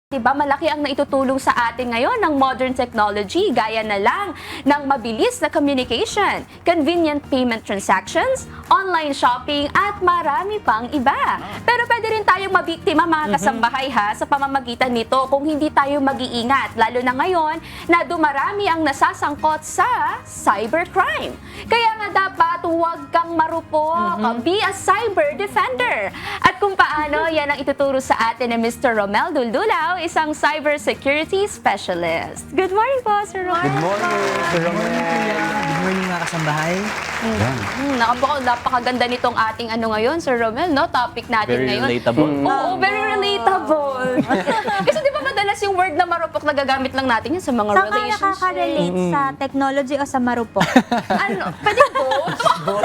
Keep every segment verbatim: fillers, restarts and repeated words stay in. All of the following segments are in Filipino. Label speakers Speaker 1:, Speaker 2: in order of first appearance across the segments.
Speaker 1: Diba, malaki ang naitutulong sa atin ngayon ng modern technology gaya na lang ng mabilis na communication, convenient payment transactions, online shopping at marami pang iba. Pero pwede rin tayong mabiktima mga kasambahay ha sa pamamagitan nito kung hindi tayo mag-iingat, lalo na ngayon na dumarami ang nasasangkot sa cybercrime. Kaya nga dapat huwag kang marupok, be a cyber defender. At kung paano, yan ang ituturo sa atin ni Mister Romel Duldulao, isang cybersecurity specialist. Good morning po, Sir Romel.
Speaker 2: Good morning, Sir Romel.
Speaker 3: Good morning mga kasambahay.
Speaker 1: Mm. Mm, nakapaka, napakaganda nitong ating ano ngayon, Sir Romel, no? Topic natin
Speaker 4: Very
Speaker 1: ngayon.
Speaker 4: relatable.
Speaker 1: Mm. Oo, very relatable. Kasi di ba madalas yung word na marupok na gagamit lang natin yun sa mga
Speaker 5: Saan ka
Speaker 1: relationships?
Speaker 5: nakaka-relate sa technology o sa marupok?
Speaker 1: Ano, pwede both?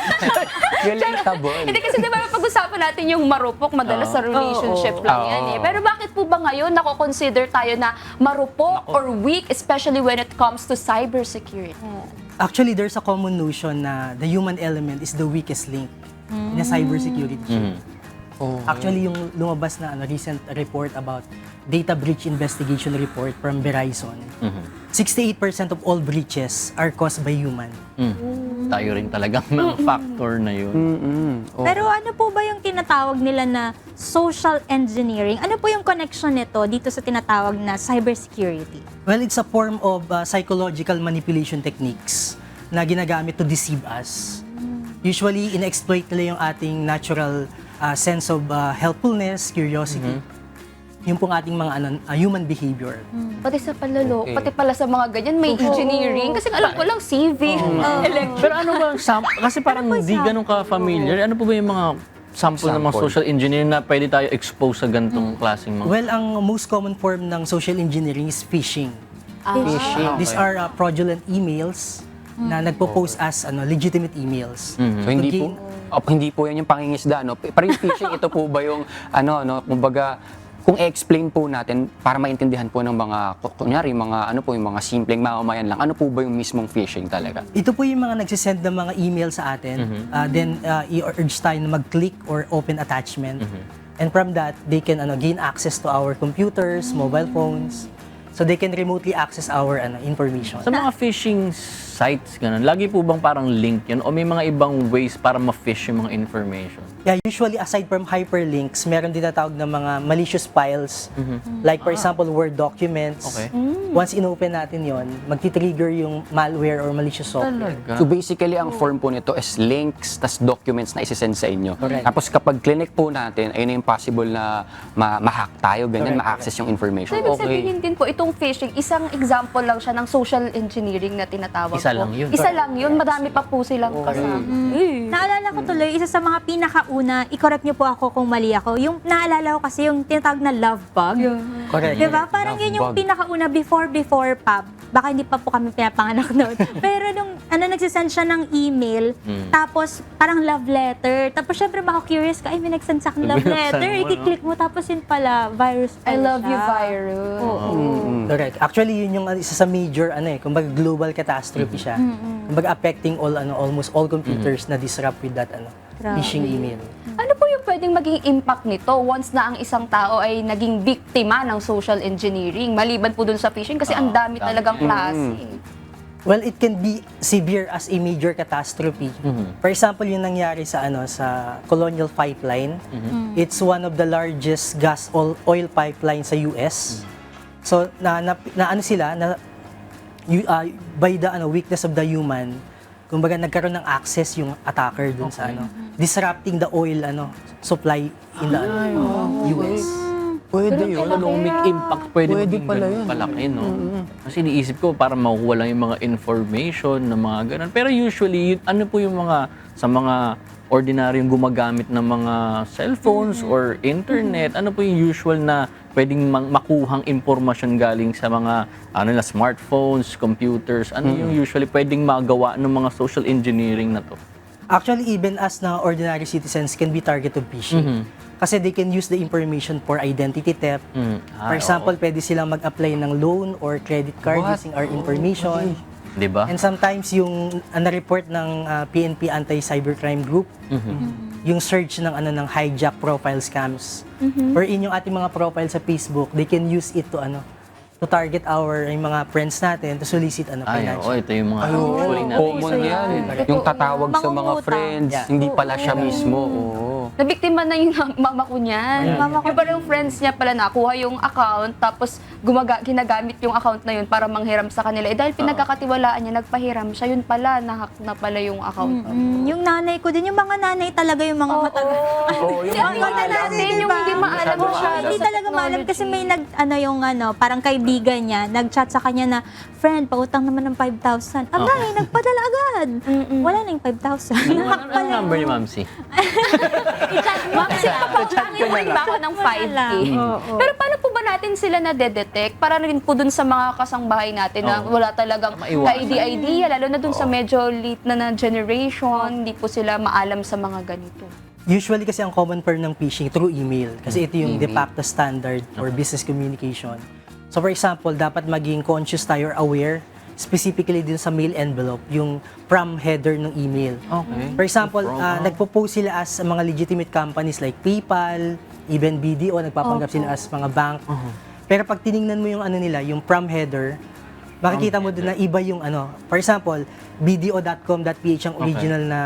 Speaker 2: Relatable.
Speaker 1: Hindi kasi di ba pag-usapan natin yung marupok, madalas sa relationship lang
Speaker 2: Oo.
Speaker 1: yan eh. Pero bakit po ba ngayon nako-consider tayo na marupok or weak, especially when it comes to cybersecurity?
Speaker 3: Actually, there's a common notion na the human element is the weakest link in a cybersecurity chain. Actually, yung lumabas na ano, recent report about data breach investigation report from Verizon, sixty-eight percent of all breaches are caused by human.
Speaker 4: Mm. Tayo rin talagang mga factor na yun.
Speaker 2: Mm-mm. Oh.
Speaker 5: Pero ano po ba yung tinatawag nila na social engineering? Ano po yung connection nito dito sa tinatawag na cybersecurity?
Speaker 3: Well, it's a form of uh, psychological manipulation techniques na ginagamit to deceive us. Usually, in-exploit nila yung ating natural uh, sense of uh, helpfulness, curiosity. Yung pong ating mga ano, uh, human behavior.
Speaker 1: Pati sa palalo,
Speaker 2: Okay.
Speaker 1: pati pala sa mga ganyan, may engineering. Kasi alam ko lang, civic, electric.
Speaker 4: Pero ano ba ang sample? Kasi parang
Speaker 5: Ano po yung
Speaker 4: hindi ganun ka-familiar. Ano po ba yung mga sample, ng mga
Speaker 2: Sample.
Speaker 4: social engineering na pwede tayo expose sa ganitong klaseng mga...
Speaker 3: Well, ang most common form ng social engineering is phishing.
Speaker 2: Phishing.
Speaker 3: These are uh, fraudulent emails na nagpo-pose as ano, legitimate emails.
Speaker 2: So hindi po, oh, hindi po yan yung pangingisda, no? Pero yung phishing, ito po ba yung, ano, no, kumbaga, kung i-explain po natin para maintindihan po ng mga, kunyari, mga, ano po, yung mga simpleng mamamayan lang, ano po ba yung mismong phishing talaga?
Speaker 3: Ito po yung mga nagsisend ng mga email sa atin. Uh, then, uh, i-urge tayo na mag-click or open attachment. And from that, they can ano, gain access to our computers, mobile phones. So they can remotely access our ano, information.
Speaker 4: Sa mga phishing sites, ganun, lagi po bang parang link yun? O may mga ibang ways para ma-fish yung mga information?
Speaker 3: Yeah, usually aside from hyperlinks, meron din natawag na mga malicious files. Like for example, Word documents.
Speaker 4: Okay.
Speaker 3: Once in-open natin yon, magti-trigger yung malware or malicious software.
Speaker 2: So basically, ang form po nito is links, tas documents na isisend sa inyo.
Speaker 3: Correct.
Speaker 2: Tapos kapag clinic po natin, ayun na yung possible na ma- ma-hack tayo, ganyan,
Speaker 3: Correct,
Speaker 2: ma-access yung information.
Speaker 1: So, ibig sabihin din po, itong phishing, isang example lang siya ng social engineering na tinatawag
Speaker 4: Isa
Speaker 1: po.
Speaker 4: lang yun.
Speaker 1: Isa lang yun. Madami pa po silang kasama. Eh.
Speaker 5: Naalala ko tuloy, isa sa mga pinakauna, i-correct niyo po ako kung mali ako, yung naalala ko kasi yung tinatawag na love bug.
Speaker 3: Correct.
Speaker 5: Diba? Parang
Speaker 2: Love
Speaker 5: yun yung
Speaker 2: bug.
Speaker 5: pinakauna before, before pa. Baka hindi pa po kami pinapanganak noon. Pero nung ano, nagsisend siya ng email, tapos parang love letter. Tapos syempre maka-curious ka, ay may nagsend sa akin love
Speaker 4: Binuksan
Speaker 5: letter.
Speaker 4: mo, no?
Speaker 5: I-click mo, tapos yun pala, virus
Speaker 1: I
Speaker 5: pala
Speaker 1: love
Speaker 5: siya.
Speaker 1: you, virus.
Speaker 5: Oo.
Speaker 3: Correct. Actually, yun yung uh, isa sa major ano eh, kumbaga global catastrophe siya. Kumbaga affecting all ano almost all computers na disrupt with that ano
Speaker 5: Grabe.
Speaker 3: phishing email.
Speaker 1: Ano po yung pwedeng maging impact nito once na ang isang tao ay naging biktima ng social engineering? Maliban po dun sa phishing kasi ang dami talagang klase.
Speaker 3: Well, it can be severe as a major catastrophe. For example, yung nangyari sa ano sa Colonial Pipeline. It's one of the largest gas oil, oil pipeline sa U S. So na, na, na ano sila na you, uh, by the ano weakness of the human, kumbaga nagkaroon ng access yung attacker dun sa ano disrupting the oil ano supply in the ano, U S.
Speaker 2: Pwede
Speaker 4: Pero economic impact pwede,
Speaker 2: Pwede
Speaker 4: maging
Speaker 2: pala
Speaker 4: ganun
Speaker 2: yun.
Speaker 4: palaki, no? Kasi iniisip ko, para makukuha lang yung mga information na mga ganun. Pero usually, yun- ano po yung mga, sa mga ordinaryong gumagamit ng mga cellphones or internet, ano po yung usual na pwedeng mang- makuhang impormasyon galing sa mga ano na smartphones, computers, ano yung usually pwedeng magawa ng mga social engineering na to?
Speaker 3: Actually, even as na ordinary citizens can be target of phishing. Kasi they can use the information for identity theft.
Speaker 4: Mm. Ah,
Speaker 3: For example, pwede silang mag-apply ng loan or credit card
Speaker 2: What?
Speaker 3: using our information.
Speaker 4: Di ba?
Speaker 3: And sometimes yung uh, na-report ng uh, P N P Anti-Cybercrime Group, yung search ng ano ng hijack profile scams. Wherein yung ating mga profile sa Facebook, they can use it to ano to target our yung mga friends natin to solicit ano
Speaker 4: Ay,
Speaker 3: financial.
Speaker 4: oo, ito yung mga
Speaker 2: Oo,
Speaker 4: usually natin.
Speaker 2: common
Speaker 1: so
Speaker 2: yan.
Speaker 1: yan.
Speaker 2: Yung tatawag sa mga
Speaker 5: Mangungutang.
Speaker 2: friends,
Speaker 3: Yeah.
Speaker 2: hindi pala siya mismo. Oo.
Speaker 1: Nabiktima na yung mama ko niyan.
Speaker 5: Mama ko
Speaker 1: Yung parang friends niya pala nakuha yung account, tapos gumaga, ginagamit yung account na yun para manghiram sa kanila. Eh dahil pinagkakatiwalaan niya, nagpahiram siya, yun pala, nahack na pala yung account.
Speaker 5: Mm, yung nanay ko din, yung mga nanay talaga yung mga matagal.
Speaker 2: Oo, yung
Speaker 1: Yung
Speaker 2: hindi
Speaker 1: mga
Speaker 2: maalam.
Speaker 1: natin, yung hindi maalam
Speaker 2: Masyado
Speaker 1: siya.
Speaker 2: maalam.
Speaker 5: Hindi talaga maalam kasi may nag, ano yung ano, parang kaibigan niya, nag-chat sa kanya na, friend, pautang naman ng five thousand. Abay, nagpadala agad. Wala na yung five thousand.
Speaker 4: Ano, ano, ano number ni Ma'am C?
Speaker 1: Ma'am, sila pa, utangin mo rin ba ako ng five K? Pero paano po ba natin sila na-detect? Para rin po dun sa mga kasangbahay natin na
Speaker 4: Oo.
Speaker 1: wala talagang
Speaker 4: Maiwasan.
Speaker 1: ka-idea, lalo na dun sa medyo late na na generation, hindi po sila maalam sa mga ganito.
Speaker 3: Usually kasi ang common form ng phishing through email kasi ito yung de facto standard for business communication. So for example, dapat maging conscious tayo or aware specifically din sa mail envelope, yung from header ng email.
Speaker 4: Okay.
Speaker 3: For example,
Speaker 4: From,
Speaker 3: ah,
Speaker 4: ah.
Speaker 3: nagpo-post sila as mga legitimate companies like PayPal, even B D O, nagpapanggap sila as mga bank. Pero pag tiningnan mo yung ano nila, yung from header, makikita mo doon na iba yung ano. For example, b d o dot com dot p h ang original na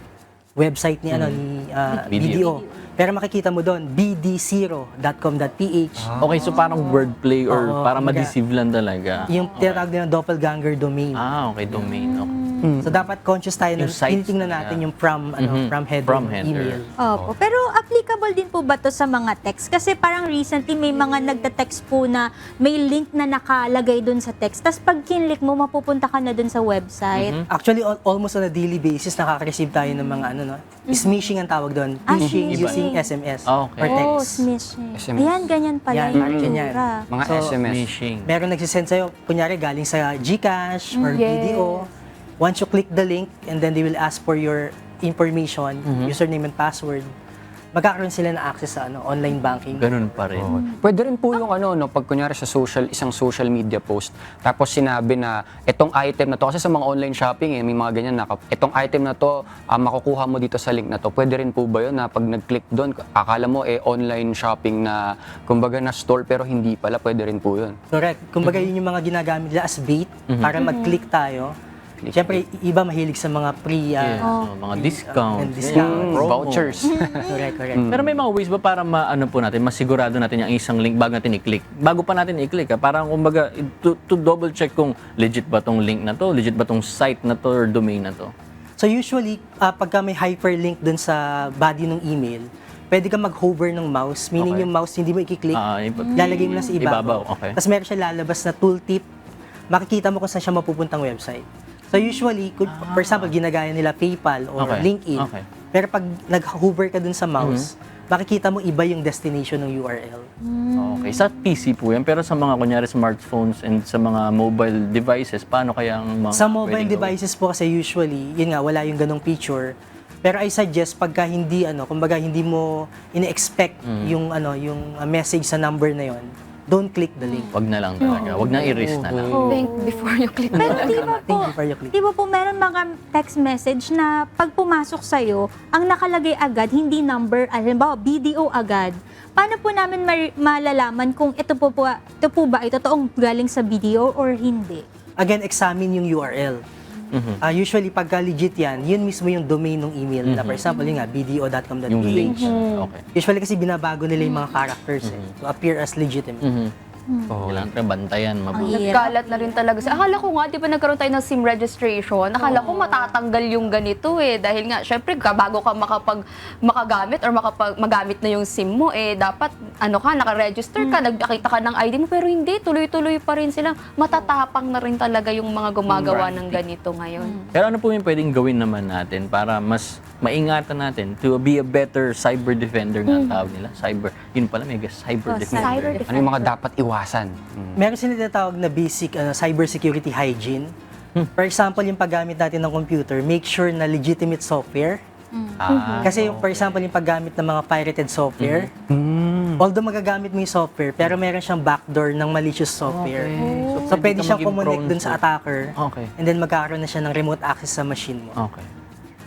Speaker 3: website ni ano ni ah,
Speaker 4: B D O.
Speaker 3: B D O. Pero makikita mo doon b d zero dot com dot p h.
Speaker 4: Okay, so parang wordplay or
Speaker 3: Oo,
Speaker 4: para
Speaker 3: kumbaga,
Speaker 4: ma-deceive lang talaga.
Speaker 3: Yung tinatawag nila doppelganger domain.
Speaker 4: Ah, okay, domain. Okay.
Speaker 3: So dapat conscious tayo na
Speaker 4: Yung sites
Speaker 3: tinitingnan
Speaker 4: nila.
Speaker 3: natin yung from ano
Speaker 4: Mhm.
Speaker 3: from header
Speaker 4: From
Speaker 3: ng
Speaker 4: header.
Speaker 3: email.
Speaker 5: Opo. Pero applicable din po ba to sa mga text? Kasi parang recently may mga nagte-text po na may link na nakalagay dun sa text. Tapos pag kinlik mo, mapupunta ka na dun sa website.
Speaker 3: Actually, al- almost on a daily basis, nakaka-receive tayo ng mga ano, no? Smishing ang tawag doon.
Speaker 5: Ah,
Speaker 3: Phishing
Speaker 5: smishing.
Speaker 3: using S M S
Speaker 4: Ah, okay.
Speaker 3: or text.
Speaker 5: Oh, smishing.
Speaker 2: S M S.
Speaker 5: Ayan, ganyan pala
Speaker 3: Yan,
Speaker 5: yung
Speaker 3: parang ganyan.
Speaker 5: itsura.
Speaker 2: Mga
Speaker 3: So,
Speaker 2: S M S.
Speaker 4: Phishing.
Speaker 3: Meron nagsisend sa'yo, kunyari galing sa GCash or
Speaker 1: Mm,
Speaker 3: B D O. Once you click the link, and then they will ask for your information, username and password, magkakaroon sila ng access sa ano online banking.
Speaker 4: Ganun pa rin.
Speaker 2: Pwede rin po yung ano, no, pag kunyari sa social, isang social media post, tapos sinabi na itong item na to, kasi sa mga online shopping, eh, may mga ganyan na, itong item na to, ah, makukuha mo dito sa link na to. Pwede rin po ba yun na pag nag-click doon, akala mo eh online shopping na, kumbaga na store, pero hindi pala, pwede rin po yun.
Speaker 3: Correct. Kumbaga yun yung mga ginagamit nila as bait para mag-click tayo. Siyempre, iba mahilig sa mga pre, uh,
Speaker 4: Yes. So, mga discounts,
Speaker 3: and discount.
Speaker 4: ganyan,
Speaker 2: Mm,
Speaker 4: promo.
Speaker 2: vouchers.
Speaker 3: correct, correct.
Speaker 4: Pero may mga ways ba para maano po natin, masigurado natin yung isang link bago natin i-click? Bago pa natin i-click, ha? Parang kumbaga, to, to double check kung legit ba tong link na to, legit ba tong site na to or domain na to.
Speaker 3: So usually, uh, pagka may hyperlink dun sa body ng email, pwede ka mag-hover ng mouse, meaning
Speaker 4: Okay.
Speaker 3: yung mouse hindi mo i-click,
Speaker 4: Ah, iba-
Speaker 3: lalagay mo lang sa ibabaw.
Speaker 4: Ibabaw, okay.
Speaker 3: Tapos meron siya lalabas na tooltip, makikita mo kung saan siya mapupuntang website. So usually, kung, for example, ginagaya nila PayPal or
Speaker 4: Okay,
Speaker 3: LinkedIn,
Speaker 4: okay.
Speaker 3: pero pag nag-hover ka dun sa mouse, makikita mo iba yung destination ng U R L.
Speaker 4: Okay, sa P C po yan, pero sa mga kunyari smartphones and sa mga mobile devices, paano kaya ang mga
Speaker 3: Sa mobile
Speaker 4: pwedeng gawin?
Speaker 3: devices po kasi usually, yun nga, wala yung ganong feature. Pero I suggest pagka hindi ano, kumbaga hindi mo ine-expect yung ano, yung uh, message sa number na yon, don't click the link.
Speaker 4: Wag na lang talaga. Wag na i-risk na lang.
Speaker 1: Think before you click.
Speaker 5: Pero di ba
Speaker 3: Think
Speaker 5: po,
Speaker 3: before you click.
Speaker 5: di ba po meron mga text message na pag pumasok sa'yo, ang nakalagay agad, hindi number, halimbawa B D O agad. Paano po namin mar- malalaman kung ito po, po, ito po ba ay totoong galing sa B D O or hindi?
Speaker 3: Again, examine yung U R L. Ah, usually, pagka legit yan, yun mismo yung domain ng email na, for example, yun nga, b d o dot com dot p h.
Speaker 4: Yung link. Okay.
Speaker 3: Usually kasi binabago nila yung mga characters eh, to appear as legitimate.
Speaker 4: Mhm. Kailangan ka bantayan mabuti.
Speaker 1: Nagkalat na rin talaga. Sa- Akala ko nga, di ba nagkaroon tayo ng SIM registration? Akala ko matatanggal yung ganito eh. Dahil nga, syempre, ka- bago ka makapag, makagamit or makapag, magamit na yung SIM mo, eh, dapat, ano ka, nakaregister ka, nagpakita ka ng I D mo. Pero hindi, tuloy-tuloy pa rin sila. Matatapang na rin talaga yung mga gumagawa ng ganito ngayon.
Speaker 4: Pero ano po yung pwedeng gawin naman natin para mas maingatan natin to be a better cyber defender nga ang tawag nila? Cyber, yun pala, may cyber
Speaker 5: Oh,
Speaker 4: defender.
Speaker 1: cyber
Speaker 2: Ano yung mga dapat iwasan? Mm.
Speaker 3: Meron sila tinatawag na basic ano, cybersecurity hygiene. For example, yung paggamit natin ng computer, make sure na legitimate software.
Speaker 4: Ah,
Speaker 3: Kasi yung, for example, yung paggamit ng mga pirated software, although magagamit mo yung software, pero meron siyang backdoor ng malicious software.
Speaker 4: Okay.
Speaker 3: So,
Speaker 4: So,
Speaker 3: pwede
Speaker 4: pwede ka
Speaker 3: siyang
Speaker 4: maging
Speaker 3: kumonek
Speaker 4: prone
Speaker 3: dun sa
Speaker 4: to-
Speaker 3: attacker,
Speaker 4: Okay.
Speaker 3: and then magkakaroon na siya ng remote access sa machine mo.
Speaker 4: Okay.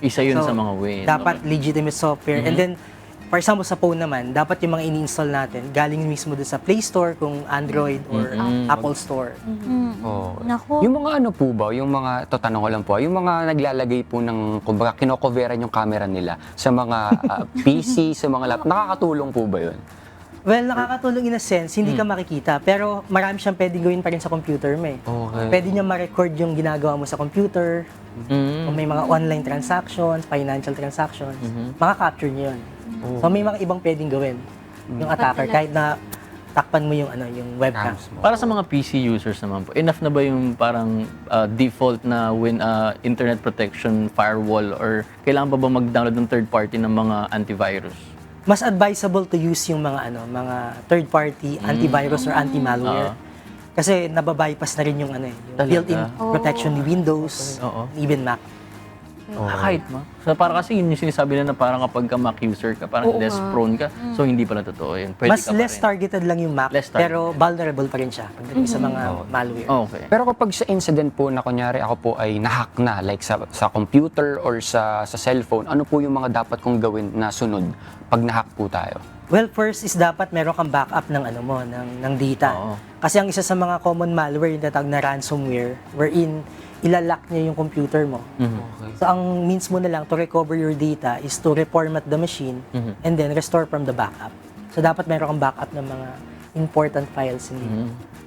Speaker 4: Isa yun
Speaker 3: So,
Speaker 4: sa mga ways.
Speaker 3: Dapat legitimate software. And then, for example, sa phone naman, dapat yung mga ini-install natin, galing mismo dun sa Play Store, kung Android or Apple Store.
Speaker 2: Oo.
Speaker 5: Naku.
Speaker 2: Yung mga ano po ba, yung mga, ito tanong ko lang po, yung mga naglalagay po ng, kumbaga, kinocoveran yung camera nila sa mga ah, P C, sa mga laptop, nakakatulong po ba yun?
Speaker 3: Well, nakakatulong in a sense, hindi ka makikita, pero marami siyang pwedeng gawin pa rin sa computer mo eh.
Speaker 2: Okay.
Speaker 3: Pwede niya ma-record yung ginagawa mo sa computer,
Speaker 4: Mm.
Speaker 3: kung may mga online transactions, financial transactions, maka-capture niyo yun. So may mga ibang pwedeng gawin yung attacker kahit na takpan mo yung ano yung webcam.
Speaker 2: Cams mo.
Speaker 4: Para sa mga P C users naman po, enough na ba yung parang uh, default na win uh, internet protection firewall or kailangan pa ba mag-download ng third party ng mga antivirus?
Speaker 3: Mas advisable to use yung mga ano mga third party antivirus or anti-malware.
Speaker 4: Oo.
Speaker 3: Kasi nababypass na rin yung ano eh, yung
Speaker 4: Talaga?
Speaker 3: built-in protection ni Windows,
Speaker 4: Oo.
Speaker 3: even Mac.
Speaker 4: Ah, kahit ma. So, para kasi yun yung sinasabi nila na parang kapag ka Mac user ka, parang
Speaker 1: Oo
Speaker 4: less
Speaker 1: nga.
Speaker 4: prone ka. So, hindi pala totoo yun. Pwede
Speaker 3: Mas
Speaker 4: ka pa
Speaker 3: less
Speaker 4: rin.
Speaker 3: targeted lang yung Mac,
Speaker 4: Less targeted.
Speaker 3: pero vulnerable pa rin siya pagdating sa mga malware.
Speaker 4: Okay.
Speaker 2: Pero kapag sa incident po na kunyari ako po ay nahack na, like sa, sa computer or sa, sa cellphone, ano po yung mga dapat kong gawin na sunod pag nahack po tayo?
Speaker 3: Well, first is dapat meron kang backup ng ano mo, ng, ng data.
Speaker 4: Oo.
Speaker 3: Kasi ang isa sa mga common malware yung tatawag na ransomware, wherein ilalock niya yung computer mo. So ang means mo na lang to recover your data is to reformat the machine and then restore from the backup. So dapat meron kang backup ng mga important files in dito.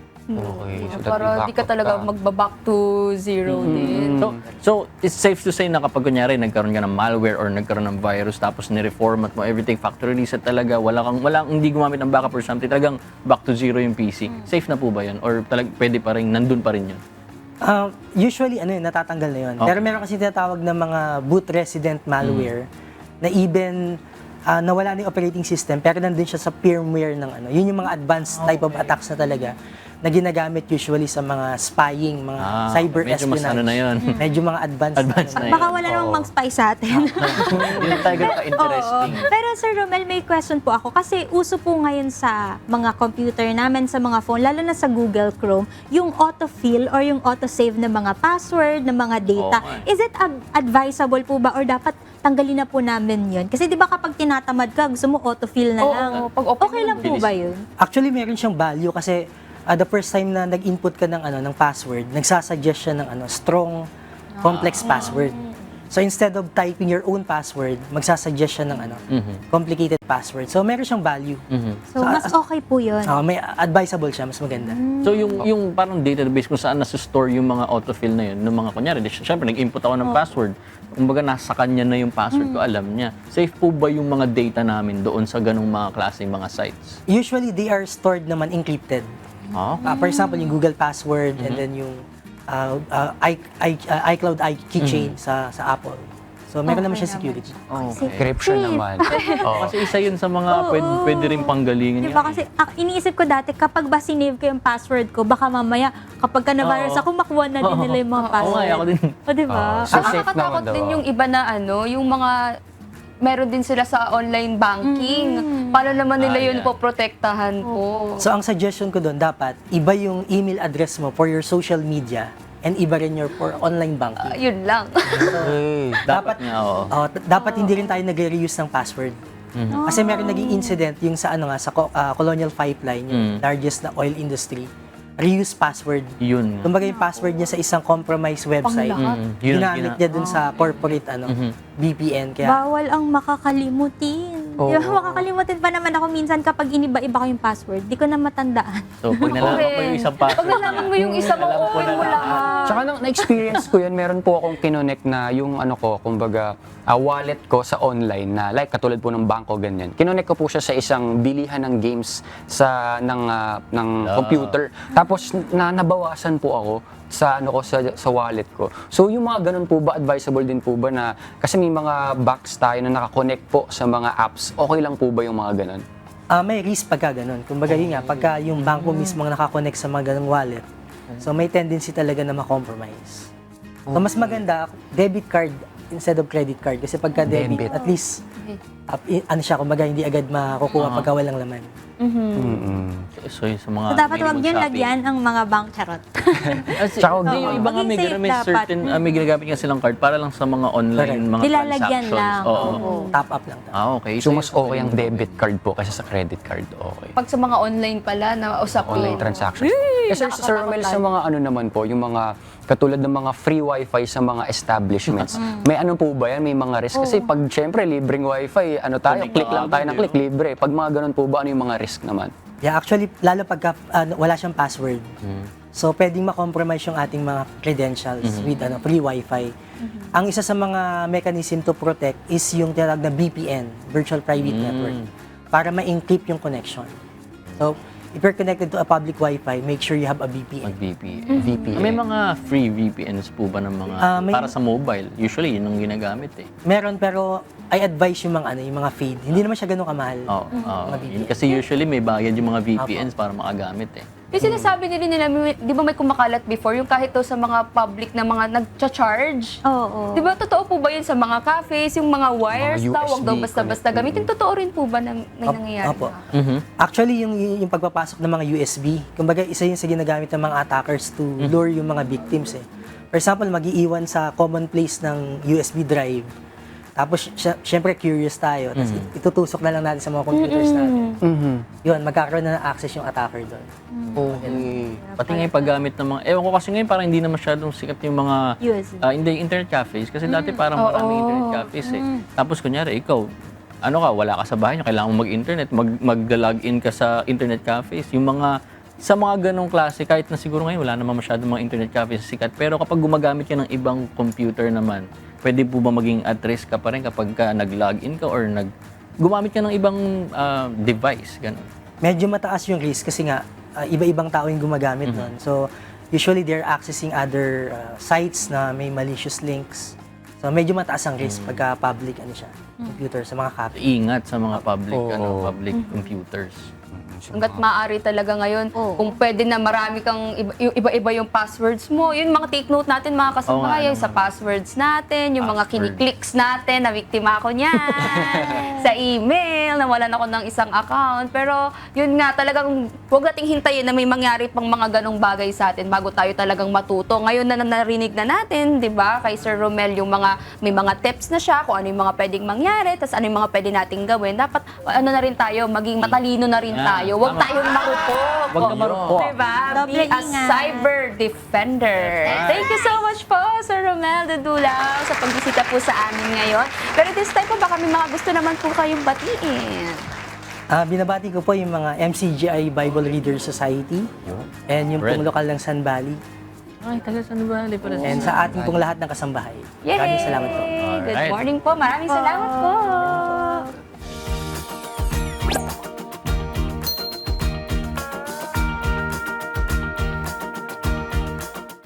Speaker 2: Okay. So, that
Speaker 1: Para
Speaker 2: may
Speaker 1: di ka
Speaker 2: backup
Speaker 1: talaga magbaback to zero din.
Speaker 4: So, so, it's safe to say na kapag kunyari nagkaroon ka ng malware or nagkaroon ng virus tapos ni-reformat mo everything, factory reset talaga, wala kang, wala hindi gumamit ng backup or something, talagang back to zero yung P C. Safe na po ba yun? Or talag, pwede pa rin, nandun pa rin yun?
Speaker 3: Uh, usually, ano yun, natatanggal na yun.
Speaker 4: Okay.
Speaker 3: Pero meron kasi tinatawag na mga boot resident malware na even uh, nawala na yung operating system pero nandun siya sa firmware ng ano. Yun yung mga advanced type of attacks na talaga na ginagamit usually sa mga spying, mga
Speaker 4: Ah,
Speaker 3: cyber
Speaker 4: medyo mas
Speaker 3: espionage.
Speaker 4: ano na yun.
Speaker 3: Medyo mga advanced.
Speaker 4: Advanced
Speaker 3: ano.
Speaker 4: na yun.
Speaker 5: Baka wala namang mag-spy sa atin.
Speaker 4: Yun talaga ka-interesting.
Speaker 5: Oo. Pero Sir Romel, may question po ako. Kasi uso po ngayon sa mga computer namin, sa mga phone, lalo na sa Google Chrome, yung autofill or yung autosave ng mga password, ng mga data.
Speaker 4: Oo nga.
Speaker 5: Is it ad- advisable po ba or dapat tanggalin na po namin yun? Kasi di ba kapag tinatamad ka, gusto mo autofill na
Speaker 1: Oo,
Speaker 5: lang.
Speaker 1: pag open
Speaker 5: okay
Speaker 1: mo,
Speaker 5: lang po ba yun?
Speaker 3: Actually, meron siyang value kasi uh, the first time na nag-input ka ng ano ng password, nagsasuggest siya ng ano strong complex password. So instead of typing your own password, magsasuggest siya ng ano complicated password. So meron siyang value.
Speaker 5: So, mas okay po yun.
Speaker 3: Ah, may advisable siya, mas maganda.
Speaker 4: So yung yung parang database kung saan nasa-store yung mga autofill na yun, ng mga kunyari, di- syempre nag-input ako ng password. Kumbaga nasa kanya na yung password ko, alam niya. Safe po ba yung mga data namin doon sa ganung mga klaseng mga sites?
Speaker 3: Usually they are stored naman encrypted.
Speaker 4: Ah,
Speaker 3: Ah, for example, yung Google password and then yung uh, uh, i, i, uh, iCloud i keychain sa sa Apple. So meron naman
Speaker 5: Okay
Speaker 3: siya security.
Speaker 2: Okay. Encryption naman. Oo.
Speaker 4: Kasi isa yun sa mga pwede, pwede rin panggalingin.
Speaker 5: Di ba kasi ah, iniisip ko dati kapag ba sinave ko yung password ko, baka mamaya kapag ka na-virus
Speaker 4: Oo.
Speaker 5: ako, makuha na din nila yung mga
Speaker 4: Oo nga,
Speaker 5: password.
Speaker 4: ako din.
Speaker 5: O di ba?
Speaker 2: Oo. So,
Speaker 1: Ang
Speaker 2: safe
Speaker 1: nakakatakot
Speaker 2: naman daw,
Speaker 1: din
Speaker 2: ah.
Speaker 1: yung iba na ano, yung mga meron din sila sa online banking. Paano naman nila
Speaker 4: Ah,
Speaker 1: yun
Speaker 4: yeah.
Speaker 1: poprotektahan po?
Speaker 3: So ang suggestion ko doon, dapat iba yung email address mo for your social media and iba rin your for online banking.
Speaker 1: Ah, yun lang.
Speaker 2: Okay.
Speaker 4: Dapat nga, oo.
Speaker 3: Oh, t- dapat hindi rin tayo nagre-reuse ng password. Kasi meron naging incident yung sa ano nga sa Co- ah, Colonial Pipeline, yung
Speaker 4: Mm.
Speaker 3: largest na oil industry. Reuse password.
Speaker 4: Yun nga.
Speaker 3: Kumbaga yung password niya sa isang compromised website,
Speaker 1: Panglahat.
Speaker 4: Mm, yun ang
Speaker 3: ginamit
Speaker 4: gina-
Speaker 3: niya dun sa corporate ano V P N. Kaya
Speaker 5: Bawal ang makakalimutin.
Speaker 2: Oo.
Speaker 5: Di ba, makakalimutin pa naman ako minsan kapag iniba-iba ko yung password. Di ko na matandaan.
Speaker 4: So, pag nalaman ko yung isang password
Speaker 1: Pag nalaman mo yung isa mo,
Speaker 4: alam ko
Speaker 1: open
Speaker 4: na
Speaker 1: mo
Speaker 4: lahat.
Speaker 1: lahat.
Speaker 2: Tsaka nang na-experience ko yun, meron po akong kinonect na yung ano ko, kumbaga, ah, wallet ko sa online na like katulad po ng bangko ganyan. Kinonect ko po siya sa isang bilihan ng games sa ng ah, ng
Speaker 4: Ah.
Speaker 2: computer. Tapos na nabawasan po ako sa ano ko sa sa wallet ko. So yung mga ganun po ba advisable din po ba na kasi may mga box tayo na naka-connect po sa mga apps. Okay lang po ba yung mga ganun?
Speaker 3: ah, may risk pagka ganun. Kumbaga yun nga, pagka yung banko mismo ang nakakonect sa mga ganung wallet, so may tendency talaga na ma-compromise. So mas maganda, debit card instead of credit card. Kasi pagka debit,
Speaker 2: Debit.
Speaker 3: at least, up, i- ano siya, kumbaga hindi agad makukuha
Speaker 4: Ah.
Speaker 3: pagka walang laman.
Speaker 2: Mm-mm.
Speaker 4: So, yung sa mga
Speaker 5: So, dapat
Speaker 4: minimum
Speaker 5: wag yun
Speaker 4: shopping.
Speaker 5: lagyan ang mga bank charot.
Speaker 4: Kasi,
Speaker 2: Tsaka
Speaker 4: hindi,
Speaker 2: Oo.
Speaker 4: yung iba nga may,
Speaker 5: Maging safe
Speaker 4: may
Speaker 5: dapat.
Speaker 4: certain, ah, may ginagamit nga silang card para lang sa mga online,
Speaker 3: Correct.
Speaker 4: mga
Speaker 5: Nilalagyan
Speaker 4: transactions.
Speaker 5: lang.
Speaker 4: Oo.
Speaker 5: Oo.
Speaker 3: Top up lang.
Speaker 4: Ah, okay.
Speaker 2: So, mas okay ang debit card po kaysa sa credit card. Okay.
Speaker 1: Pag sa mga online pala na usapin.
Speaker 2: Online transactions. Kasi Sir, Sir Romel, sa mga ano naman po, yung mga katulad ng mga free wifi sa mga establishments, may ano po ba yan? May mga risk? Kasi pag syempre libreng wifi, ano tayo,
Speaker 4: Connect
Speaker 2: click
Speaker 4: ka
Speaker 2: lang tayo
Speaker 4: agad,
Speaker 2: ng click,
Speaker 4: eh, no?
Speaker 2: libre. Pag mga ganun po ba, ano yung mga risk naman?
Speaker 3: Yeah, actually, lalo pagka ano, wala siyang password. So, pwedeng ma-compromise yung ating mga credentials with ano, free wifi. Ang isa sa mga mechanism to protect is yung tinatawag na V P N, Virtual Private Network, para ma-encrypt yung connection. So, if you're connected to a public wifi, make sure you have a V P N.
Speaker 4: Mag-V P N.
Speaker 2: V P N.
Speaker 4: May mga free V P Ns po ba ng mga,
Speaker 3: Ah, may-
Speaker 4: para sa mobile? Usually, yun ang ginagamit eh.
Speaker 3: Meron, pero I advise yung mga ano, yung mga feed. Hindi naman siya ganun kamahal.
Speaker 4: Oo. oo.
Speaker 3: Mga V P N.
Speaker 4: Yun, kasi usually may bayad yung mga V P Ns para makagamit eh.
Speaker 1: Yung sinasabi nila nila, may- di ba may kumakalat before, yung kahit to sa mga public na mga nagcha-charge?
Speaker 5: Oo.
Speaker 1: Di ba totoo po ba yun sa mga cafes, yung mga wires
Speaker 2: Mga
Speaker 1: daw,
Speaker 2: U S
Speaker 1: wag daw
Speaker 2: B
Speaker 1: basta-basta
Speaker 2: connect.
Speaker 1: gamitin? Totoo rin po ba na may
Speaker 3: Op-
Speaker 1: nangyayari?
Speaker 3: Opo.
Speaker 1: na?
Speaker 4: Mhm.
Speaker 3: Actually, yung, yung pagpapasok ng mga U S B, kumbaga isa yun sa ginagamit ng mga attackers to lure yung mga victims eh. For example, mag-iiwan sa common place ng U S B drive. Tapos, sy- syempre curious tayo. Tapos it- itutusok na lang natin sa mga computers natin.
Speaker 2: Mhm.
Speaker 3: Yun, magkakaroon na ng access yung attacker doon.
Speaker 2: Okay.
Speaker 4: Pati nga yung paggamit ng mga, ewan ko kasi ngayon parang hindi na masyadong sikat yung mga,
Speaker 5: U S B.
Speaker 4: ah, hindi, internet cafes. Kasi dati parang
Speaker 1: Oo.
Speaker 4: maraming internet cafes eh. Tapos kunyari, ikaw, ano ka, wala ka sa bahay nyo, kailangan mo mag-internet, mag, mag-login ka sa internet cafes. Yung mga, sa mga ganong klase, kahit na siguro ngayon wala naman masyadong mga internet cafes sikat, pero kapag gumagamit ka ng ibang computer naman, pwede po ba maging at risk ka pa rin kapag ka nag-login ka or nag, gumamit ka ng ibang ah, device, ganon.
Speaker 3: Medyo mataas yung risk kasi nga, uh, iba-ibang tao yung gumagamit nun. So, usually they're accessing other uh, sites na may malicious links. So, medyo mataas ang risk pagka public ano siya, computer sa mga cafe.
Speaker 4: Ingat sa mga public,
Speaker 2: Oo.
Speaker 4: ano, public computers.
Speaker 1: Hanggat maaari talaga ngayon,
Speaker 5: Oo.
Speaker 1: kung pwede na marami kang iba- yung iba-iba yung passwords mo, yun mga take note natin mga
Speaker 4: Oo nga
Speaker 1: kasabayan, sa
Speaker 4: naman.
Speaker 1: passwords natin, yung mga
Speaker 4: Password.
Speaker 1: kiniklicks natin, na biktima ako niyan, sa email, nawalan ako ng isang account. Pero yun nga, talagang huwag nating hintayin na may mangyari pang mga ganong bagay sa atin bago tayo talagang matuto. Ngayon na narinig na natin, di ba, kay Sir Romel, yung mga, may mga tips na siya, kung ano yung mga pwedeng mangyari, tapos ano yung mga pwede nating gawin. Dapat, ano na rin tayo, maging matalino na rin
Speaker 4: Ah,
Speaker 1: tayo. Huwag
Speaker 4: tama.
Speaker 1: tayong marupok.
Speaker 4: Huwag ka marupok.
Speaker 1: Diba?
Speaker 5: Doble
Speaker 1: Be a
Speaker 5: ingat.
Speaker 1: cyber defender. Thank you so much po, Sir Romel Dudulaw, sa pagbisita po sa amin ngayon. Pero this time po, baka may mga gusto naman po kayong batiin.
Speaker 3: Ah, binabati ko po yung mga M C G I Bible Readers Society and yung pong
Speaker 4: Red.
Speaker 3: lokal ng San Valley
Speaker 4: Ay, taga San Valley pala.
Speaker 3: and sa ating pong lahat ng kasambahay.
Speaker 1: Yay!
Speaker 3: Maraming salamat po.
Speaker 1: Good
Speaker 4: Alright.
Speaker 1: morning po. Maraming salamat po.